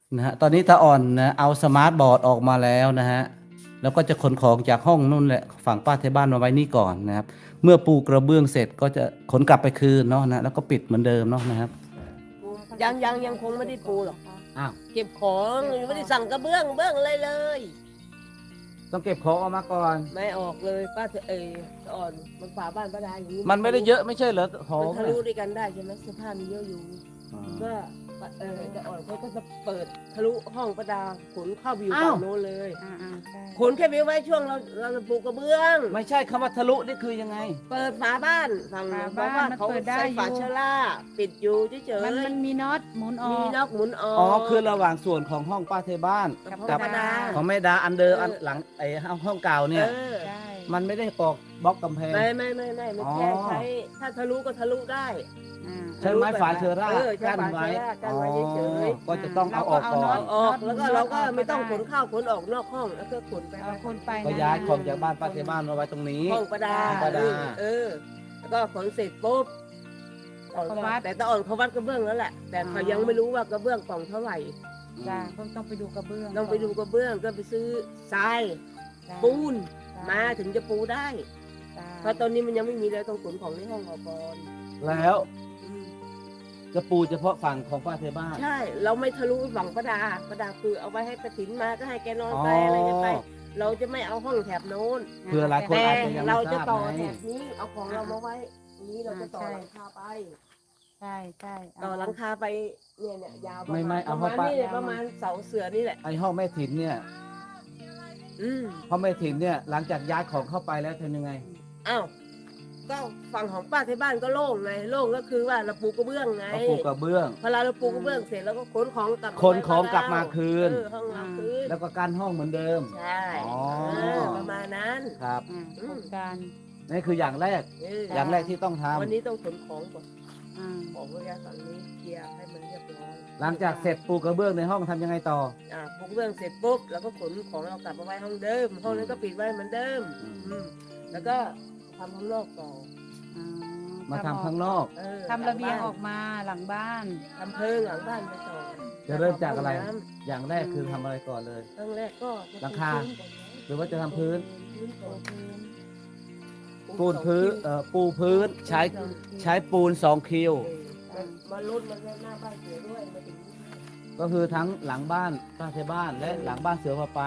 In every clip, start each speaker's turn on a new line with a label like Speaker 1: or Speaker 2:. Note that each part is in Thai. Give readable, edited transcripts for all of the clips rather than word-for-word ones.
Speaker 1: นะฮะตอนนี้ตาอ่อนนะเอาสมาร์ทบอร์ดออกมาแล้วนะฮะแล้วก็จะขนของจากห้องนู่นแหละฝั่งป้าที่บ้านมาไว้นี่ก่อนนะครับเมื่อปูกระเบื้องเสร็จก็จะขนกลับไปคืนเนาะนะแล้วก็ปิดเหมือนเดิมเนาะนะครับ
Speaker 2: ยังคงไม่ได้ปูหรอก
Speaker 1: อ้าว
Speaker 2: เก็บของยังไม่ได้สั่งกระเบื้องอะไรเลย
Speaker 1: ต้องเก็บของออกมาก่อน
Speaker 2: ไม่ออกเลยป้าอ่อนมันฝาบ้านป้าดาอย่างนี้
Speaker 1: มันไม่ได้เยอะไม่ใช่เหรอของ
Speaker 2: มันทะลุด้วยกันได้ใช่ไหมเสื้อผ้ามีเยอะอยู่
Speaker 1: อ่า
Speaker 2: ก็จะอ่อนเขาก็จะเปิดทะลุห้องป้าดาขนเข้าวิวฝั่งโน้นเลย
Speaker 3: ใช่
Speaker 2: ขนแค่วิวไว้ช่วงเราจะปูกระเบื้อง
Speaker 1: ไม่ใช่คำว่าทะลุนี่คือยังไง
Speaker 2: เปิดฝาบ้านฝั่งเพราะว่าเขาใส่ฝาเชล่าปิดอยู่เฉย
Speaker 3: มันมีน็อตหมุนอ
Speaker 2: ๆ
Speaker 3: อ
Speaker 2: มี
Speaker 3: ก
Speaker 2: นอกหมุนออก
Speaker 1: อ๋อคือระหว่างส่วนของห้องป้าเทบ้าน
Speaker 2: กับห้อง
Speaker 3: กับ
Speaker 2: ป้าดา
Speaker 1: ของแม่ดาอันเดิมอันหลังไอ้ห้องเก่าเนี่ย
Speaker 3: ใช่
Speaker 1: มันไม่ได้ปอกบล็อกกำแพง
Speaker 2: ไม่มันแค่
Speaker 1: อ๋อ
Speaker 2: ใช้ถ้าทะลุก็ทะลุได้
Speaker 1: ใช้ไม้ฝาเชอร่า
Speaker 2: ใช้
Speaker 1: กั้น
Speaker 2: ฝา
Speaker 1: ไว้
Speaker 2: เชอร่ากั้นไว้เฉย
Speaker 1: ก็จะต้องเอาออกก่อน
Speaker 2: ๆออกแล้วก็เราก็ไม่ต้องขนข้าวขนออกนอกห้องแล้วก็ขนไป
Speaker 3: เอาคนไป
Speaker 1: ก็ย้ายของจากบ้านป้าเทบ้านมาไว้ตรงนี้
Speaker 2: ห้องประดา
Speaker 1: ห้องประดา
Speaker 2: แล้วก็ขนเสร็จปุ๊บแต่ตาอ่อนเขาวัดกระเบื้องแล้วแหละ แต่เขายังไม่รู้ว่ากระเบื้องกล่องเท่าไหร่
Speaker 3: จ้าต้องไปดูกระเบื้อง
Speaker 2: ต้องไปดูกระเบื้องก็ไปซื้อทราย
Speaker 3: จ้า
Speaker 2: ปูนมาถึงจะปูได้
Speaker 3: จ้า
Speaker 2: เพราะตอนนี้มันยังไม่มีเลยต้องขนของในห้องออกก่อน
Speaker 1: แล้ว
Speaker 2: อืม
Speaker 1: จะปูเฉพาะฝั่งของป้าเทบ้าน
Speaker 2: ใช่ เราไม่ทะลุไปฝั่งประดาคือเอาไว้ให้กระถินมาก็ให้แกนอนไปอะไรกันไป เราจะไม่เอาห้องแถบโน้น
Speaker 1: เพื่อหลายคน
Speaker 2: แต่
Speaker 1: อาจจะยัง
Speaker 2: เรา
Speaker 1: ไม่ท
Speaker 2: จะ
Speaker 1: ราบ
Speaker 2: ต่อ
Speaker 1: ไง
Speaker 2: แถบนี้เอาของเรามาไว้นี้เราจะต่อหลังคาไป
Speaker 3: ใช่ใช่
Speaker 2: ต่อหลังคาไปเนี่ยยาว
Speaker 1: ไม่เอา
Speaker 2: ประ
Speaker 1: เข้าไป
Speaker 2: มาณนี้เลยประมาณเสาเสือนี่แหละ
Speaker 1: ไอ้ห้องแม่ถิ่นเนี่ย
Speaker 2: อืม
Speaker 1: ห้องแม่ถิ่นเนี่ยหลังจากย้ายของเข้าไปแล้วทำยังไง
Speaker 2: อ้าวก็ฝั่งของป้าที่บ้านก็โล่งไงโล่งก็คือว่าเราปูกระเบื้องไง
Speaker 1: ก็ปูกระเบื้อง
Speaker 2: พอเราปูกระเบื้องเสร็จแล้วก็ขนของกลับ
Speaker 1: ขนของกลับมาคืน
Speaker 2: ห้องเราคืน
Speaker 1: แล้วก็กั้นห้องเหมือนเดิม
Speaker 2: ใช่
Speaker 1: อ๋อ
Speaker 2: ประมาณนั้น
Speaker 1: ครับ
Speaker 3: โครงการ
Speaker 1: นี่คืออย่างแรก อย่างแรกที่ต้องทำ
Speaker 2: วันนี้ต้องขนของก่อน
Speaker 3: อ่า
Speaker 2: ของระยะฝั่งนี้เคลียร์ให้มันเรียบร้อย
Speaker 1: หลังจากเสร็จปูกระเบื้องในห้องทำยังไงต่อ
Speaker 2: ปูกระเบื้องเสร็จปุ๊บเราก็ขนของเรากลับมาไว้ห้องเดิม ห้องนั้นก็ปิดไว้เหมือนเดิม อืมแล้วก็ทำข้างนอกต่อ
Speaker 1: มาทำข้างนอก
Speaker 3: ทำระเบียงออกมาหลังบ้าน
Speaker 2: ทำเพิงหลังบ้านไปต่อ
Speaker 1: จะเริ่มจากอะไร
Speaker 2: ห้งน้
Speaker 1: อย่างแรกคือทำอะไรก่อนเลย
Speaker 2: ำครั้งแรกก็จะ
Speaker 1: หลังคา
Speaker 2: ปูพื้นก่อนนะ
Speaker 1: หรือว่าจะทำพื้น
Speaker 2: พื้นก่อน
Speaker 1: ปูนพื้นปูพื้นใช้ปูน2คิว
Speaker 2: มาลดมาหน้าบ้านเสือด้วยมาถึง
Speaker 1: ก็คือทั้งหลังบ้านป้าเทบ้านและหลังบ้านเสือพาไป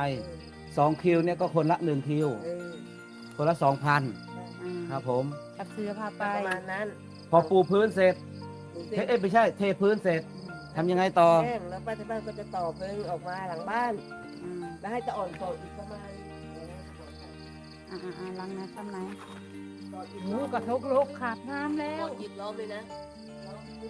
Speaker 1: 2คิวเนี่ยก็คนละ1คิว คนละ 2,000ครับผม
Speaker 3: กับเสื้อผ้าไป
Speaker 2: ประมาณนั้น
Speaker 1: พอปูพื้นเสร็จไม่ใช่เทพื้นเสร็จทำยังไงต่อ
Speaker 2: แห้งแล้วป้าที่บ้านก็จะต่อเพิงออกมาหลังบ้าน แล้วให้ตะอ่อนต่ออีกประมาณ
Speaker 3: ลังนะทำไหน
Speaker 2: ต่ออีก
Speaker 3: หูกระทกโลกขาดน้ำแล้
Speaker 2: ต่
Speaker 3: ว
Speaker 2: ออีกรอบเลยนะรอบนึง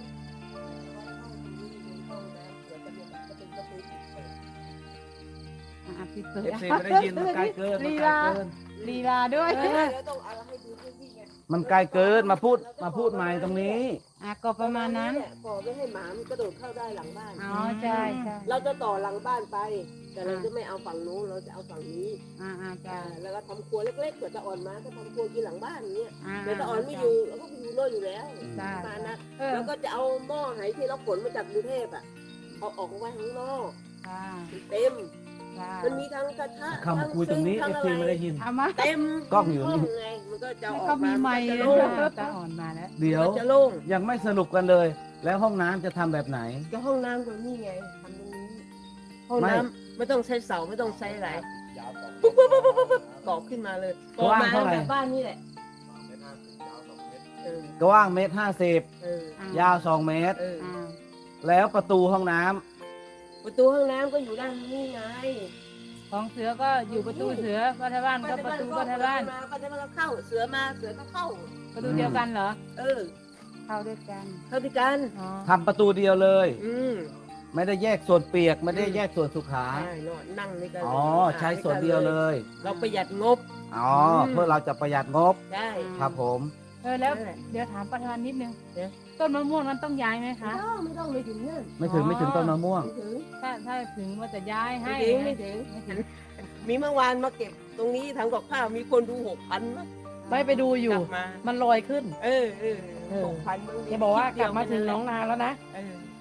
Speaker 2: ห้องน้ำเดี๋ยวจะเป็นประตูปิดเปิด
Speaker 3: ปิดเปิด
Speaker 1: FC ไม่ได้ยินมันไกลเกินมันไกลเกิน
Speaker 3: ลีลาด้วย
Speaker 2: แล้วต้องเอาให้ดูพื้นที่ไง
Speaker 1: มันไกลเกินมาพูดใหม่ตรงนี้
Speaker 3: ก็ประมาณนั้น
Speaker 2: ก่อไม่ให้หมามันกระโดดเข้าได้หลังบ้าน
Speaker 3: อ๋อใช่ใช่
Speaker 2: เราจะต่อหลังบ้านไป แต่เราจะไม่เอาฝั่งนู้นเราจะเอาฝั่งนี้
Speaker 3: จ้า
Speaker 2: แล้วก็ทำครัวเล็กๆเผื่อตะอ่อนมาก็ทำครัวกินหลังบ้านอย่างเงี้ย
Speaker 3: อ่า
Speaker 2: เผื่อตะอ่อนไม่อยู่เราก็ไปอยู่โน่นอยู่แล้ว
Speaker 3: จ้า
Speaker 2: ประมาณนั้น
Speaker 3: เออ
Speaker 2: แล้วก็จะเอาหม้อไหที่เราขนมาจากกรุงเทพอ่ะเอาออกมาไว้ข้างนอก
Speaker 3: จ้า
Speaker 2: เต็ม
Speaker 3: จ้า
Speaker 2: มันมีทั้งกระทะ
Speaker 1: คำคุยตรงนี้
Speaker 2: ทั้
Speaker 1: FC ไม่ได้ยิน
Speaker 3: เอามา
Speaker 2: เต็ม
Speaker 1: กล้องอยู่นี่
Speaker 2: ห้ไงมันก็จะอ
Speaker 3: แล้ว
Speaker 2: อก
Speaker 3: ก็มี
Speaker 2: มา
Speaker 3: ไม้
Speaker 2: น
Speaker 3: เล
Speaker 2: จะ
Speaker 3: ย
Speaker 2: โล่ง
Speaker 3: ตาอ่อนมาแล้ว
Speaker 1: เดี๋ยว
Speaker 2: มันจะโล่ง
Speaker 1: ยังไม่สรุปกันเลย แล้วห้องน้ำจะทำแบบไหน
Speaker 2: ก็ห้องน้ำตรงนี้ไงทำตรงนี้ห้อง
Speaker 1: ไม่
Speaker 2: น้ำไม่ต้องใช้เสาไม่ต้องใช้อะไรปุ๊บกรอกขึ้นมาเลย
Speaker 1: กว้างเท่าไหร่
Speaker 2: แบบบ้านนี่แหละเออก
Speaker 1: ว้าง1.50
Speaker 2: เออ
Speaker 1: ยาว2 เมตร
Speaker 2: เออ
Speaker 1: แล้วประตูห้องน้ำ
Speaker 2: ประตูห้องน้ำก็อยู่ด้านนี้ไง
Speaker 3: ของเสือก็อยู่ประตูเสือพัทบ้านก็ประตูพัทบ้าน
Speaker 2: ป้าจะมาเข้าเสือมาเสือก็เข้า
Speaker 3: ประตูเดียวกันเหรอ
Speaker 2: เออ
Speaker 3: เข้าด้วยกัน
Speaker 2: เข้าด้วยกัน
Speaker 3: อ๋อ
Speaker 1: ทำประตูเดียวเลย
Speaker 2: อืม
Speaker 1: ไม่ได้แยกส่วนเปียกไม่ได้แยกส่วนสุขา
Speaker 2: ใช่นอนนั่งนี่กัน
Speaker 1: อ๋อใช้ส่วนเดียวเลย
Speaker 2: เราประหยัดงบ
Speaker 1: อ๋อเพื่อเราจะประหยัดงบ
Speaker 2: ได้
Speaker 1: ครับผม
Speaker 3: แล้วเดี๋ยวถามประธานนิดนึงต้นมะม่วงมันต้องย้ายไหมคะ
Speaker 2: ไม่ต้องไปถึงนั่น
Speaker 1: ไม่ถึงต้นมะม่วง
Speaker 2: ไม่ถึง
Speaker 3: ถ้าถึงว่าจะย้ายให้
Speaker 2: ไม่ถึงมีเมื่อวานมาเก็บตรงนี้ทำกับข้าวมีคนดู6,000นะ
Speaker 4: ไม่ไปดูอยู่
Speaker 2: กลับมา
Speaker 4: มันลอยขึ้น
Speaker 2: เออ
Speaker 4: เออ
Speaker 2: 6,000มึง
Speaker 4: แกบอกว่ากลับมาถึงหน้องนาแล้วนะ
Speaker 2: เออ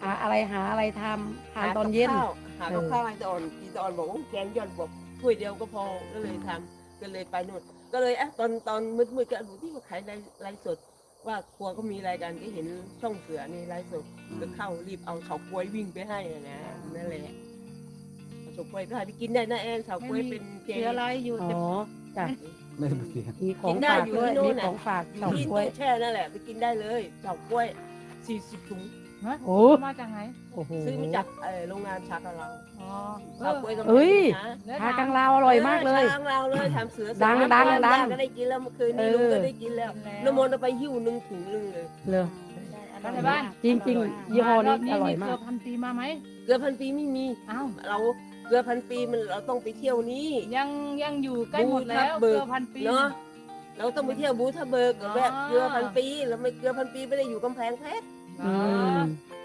Speaker 4: หาอะไรทำทานตอนเย็น
Speaker 2: หากับข้าวให้ตาอ่อนกินตาอ่อนบอกว่าแกงย่อนบอกถ้วยเดียวก็พอก็เลยทำก็เลยไปนู่นก็เลยตอนมืดๆก็ดูที่ว่าขายไลฟ์สดว่าครัวก็มีรายการก็เห็นช่องเสือนี่ไลฟ์สดก็เข้ารีบเอาเฉาก๊วยวิ่งไปให้นะนั่นแหละเอาเฉาก๊วยไปให้ไปกินได้นะแอนเฉาก๊วยเป็นแกง
Speaker 3: เสืออะไรอยู่
Speaker 4: อ๋
Speaker 3: แต่
Speaker 4: อจ้ะ
Speaker 1: ไม่ต้องเสีย
Speaker 4: มีของฝากด้วยมีของฝาก
Speaker 2: อยู่
Speaker 4: เฉา
Speaker 2: ที่
Speaker 4: ก๊วย
Speaker 2: ตู้แช่นั่นแหละไปกินได้เลยเฉาก๊วย40 ถุง
Speaker 3: ฮะ
Speaker 4: โอ้
Speaker 3: มาจากไหน
Speaker 4: โอ้โห
Speaker 2: ซื้อมาจากโรงงานชาคาเรา
Speaker 3: อ๋อ
Speaker 2: เฉาก๊วยกำลัง
Speaker 4: เอ้ย
Speaker 2: นะ
Speaker 3: แล้ว
Speaker 4: ชากังลาวอร่อยมากเลย
Speaker 2: ชาเราเลยทำเสือ
Speaker 4: ดัง
Speaker 2: สาม
Speaker 4: ดัง
Speaker 2: วัน
Speaker 4: ดัง
Speaker 2: ย่าก็ได้กินแล้วเมื่อคืนนี้
Speaker 4: เออ
Speaker 2: ลุงก็ได้กินแล้วน้ำมนต์เอาไปหิ้ว1 ถุงนึงเลย
Speaker 4: เลย
Speaker 3: บ้านในบ้าน
Speaker 4: จริงๆยี่ห้อนี้อร่อยมาก
Speaker 3: เกือบพันปีมาไหม
Speaker 2: เกลือพันปีไม่มี
Speaker 3: อ้าว
Speaker 2: เราเกลือพันปีมันเราต้องไปเที่ยวนี้
Speaker 3: ยังอยู่ใกล้หมดแล้ว
Speaker 2: บูทับเบิก
Speaker 3: เกือบพันปี
Speaker 2: เนาะเราต้องไปเที่ยวบูทาเบิกกับแบบ
Speaker 3: อ๋อ
Speaker 2: เกลือพันปีแล้วไม่เกลือพันปีไม่ได้อยู่กำแพงเพชร
Speaker 4: อืม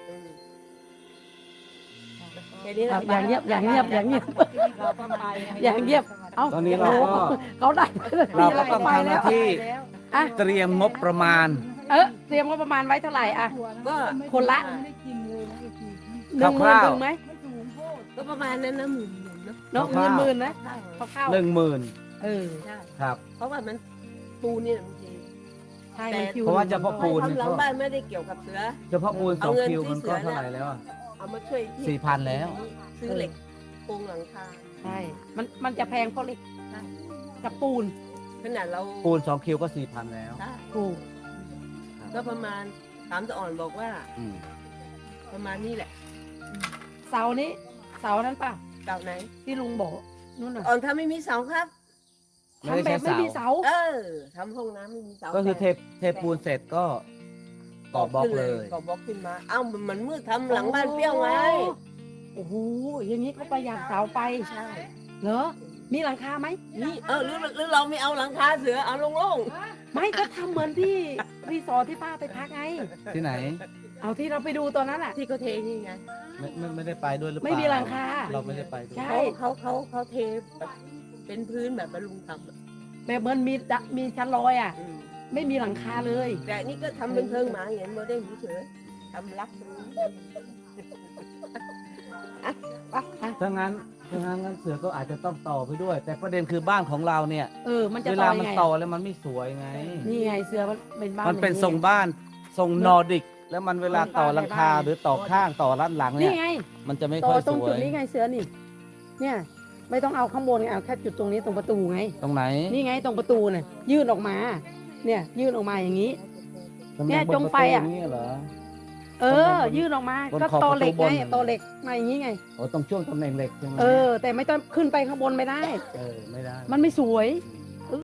Speaker 2: แค่นี้แห
Speaker 4: ครั
Speaker 2: ละ
Speaker 4: บอย่างเงียบอย่างเงียบอย่างเงียบ
Speaker 3: เราก็ไป
Speaker 4: อย่างเงียบเอ้า
Speaker 1: ตอนนี้เราก็
Speaker 4: เขาได้
Speaker 1: เราก็ต้อง
Speaker 4: ไป
Speaker 1: ทำห
Speaker 4: แล้
Speaker 1: น้าว ที่
Speaker 4: อ่ะ
Speaker 1: เตรียมงบประมาณ
Speaker 4: เตรียมงบประมาณไว้เท่าไหร่อ่ะ
Speaker 2: ก็
Speaker 4: คนละ
Speaker 3: ไม่ได้กินเลยนะไอ้ที
Speaker 4: หนึ่งหมื่น
Speaker 1: คร่าวๆ
Speaker 4: ถึงไหม
Speaker 3: ไม่สูงโพด
Speaker 2: ก็ประมาณนั้นนะหมื่นเนาะ
Speaker 4: เนาะ
Speaker 1: คร่าวๆ
Speaker 4: หมื่นนะคร่าว
Speaker 1: 10,000
Speaker 4: เออ
Speaker 2: ใช่
Speaker 1: ครับ
Speaker 2: เพราะว่ามันปูนี่บางที
Speaker 4: ใช่มันคิว
Speaker 1: เพราะว่าเฉพาะปูน
Speaker 2: ทำหลังบ้านไม่ได้เกี่ยวกับเสือ
Speaker 1: เฉพาะปูน
Speaker 2: เอาเงิน
Speaker 1: 2 คิว
Speaker 2: ที่
Speaker 1: มัน
Speaker 2: เสื
Speaker 1: ก็
Speaker 2: อ
Speaker 1: เท่าไหร่แล้วอะ
Speaker 2: เอามาช่วยที่
Speaker 1: 4,000 แล้ว
Speaker 2: ซื้อเหล็กปูหลังคา
Speaker 4: ใช่มันจะแพงเพราะเหล็กกับปูน
Speaker 2: ขนาดเรา
Speaker 1: ปูน2 คิวก็ 4,000 แล้ว
Speaker 2: ใช่
Speaker 4: ถูก
Speaker 2: ก็ประมาณถามตะอ่อนบอกว่า
Speaker 1: อืม
Speaker 2: ประมาณนี้แหละ
Speaker 4: เสานี้เสานั้นป่ะ
Speaker 2: เก่าไหน
Speaker 4: ที่ลุงบอกนู่นน่ะ
Speaker 2: อ่อนถ้าไม่มีเสาครับ
Speaker 4: ทำแบบไม่มีเสา
Speaker 2: ทำห้องน้ำไม่มีเสา
Speaker 1: ก็คือเทปูนเสร็จก็ก่อบล็อกเลย
Speaker 2: ก่อบล็อกขึ้นมา เอ้ามันมืดทำหลังบ้านเปรี้ยวไง
Speaker 4: โอ้โหอย่างนี้ก็ประหยัดเสาไป
Speaker 2: ใช่
Speaker 4: เหรอมีหลังคาไหม
Speaker 2: นี่หรือเราไม่เอาหลังคาเสือเอาโล่ง
Speaker 4: ไม่ก็ทำเหมือนที่รีสอร์ทที่ป้าไปพักไง
Speaker 1: ที่ไหน
Speaker 4: เอาที่เราไปดูตอนนั้นอ่ะ
Speaker 2: ๆที่เขาเทนี่ไง
Speaker 1: ไม่ได้ไปด้วยหรือเปล่า
Speaker 4: ไม่มีหลังคา
Speaker 1: เราไม่ได้ไปด้วย
Speaker 4: ใช่
Speaker 2: เขาเทแบบเป็นพื้นแบบบรรลุงทำอะ
Speaker 4: แบบเหมือนมีชั้นลอยอ่ะ
Speaker 2: อืม
Speaker 4: ไม่มีหลังคาเลย
Speaker 2: แต่นี่ก็ทำเป็นเพิงหมาเห็นโมเดลเฉยๆทำรักตรงนี้
Speaker 1: ถ้างั้นเสือก็อาจจะต้องต่อไปด้วย แต่ประเด็นคือบ้านของเราเนี่ย
Speaker 4: มันจะ
Speaker 1: เว
Speaker 4: ต่
Speaker 1: ลา
Speaker 4: อ
Speaker 1: มัน
Speaker 4: ยังไง
Speaker 1: ต่อแล้วมันไม่สวยไง
Speaker 4: นี่ไงเสือมันเป็นบ้าน
Speaker 1: มันเป็น
Speaker 4: อย่าง
Speaker 1: ทรงบ้านทรงนอร์ดิก แล้วมันเวลาต่อหลังคาหรือต่อข้างต่อด้านหลังเนี่
Speaker 4: นี่
Speaker 1: ย
Speaker 4: ไง
Speaker 1: มันจะไม่
Speaker 4: ต่
Speaker 1: ค่
Speaker 4: อ
Speaker 1: อย
Speaker 4: ตร
Speaker 1: ส
Speaker 4: ง
Speaker 1: ว
Speaker 4: จุด
Speaker 1: ย
Speaker 4: นี้ไงเสือนี่ เนี่ย ไม่ต้องเอาข้างบนไงเอาแค่จุดตรงนี้ตรงประตูไง
Speaker 1: ตรงไหน
Speaker 4: นี่ไงตรงประตูน่ะยื่นออกมา เนี่ยยื่นออกมาอย่างนี้
Speaker 1: ตรง
Speaker 4: เนี่ย
Speaker 1: บ
Speaker 4: จงไฟอะ
Speaker 1: ประตูนี่เหรอ
Speaker 4: ยื่นออกมา
Speaker 1: บน
Speaker 4: ก็
Speaker 1: ขอบ
Speaker 4: ตอเหล็ก
Speaker 1: ประตู
Speaker 4: ไง
Speaker 1: บน
Speaker 4: ตอเหล็กมาอย่างนี้ไง
Speaker 1: โอ้ตรงช่วงตำแหน่งเหล็กใช่ไหม
Speaker 4: แต่ไม่ต้องขึ้นไปข้างบนไม่ได้
Speaker 1: ไม่ได้
Speaker 4: มันไม่สวย
Speaker 1: อืม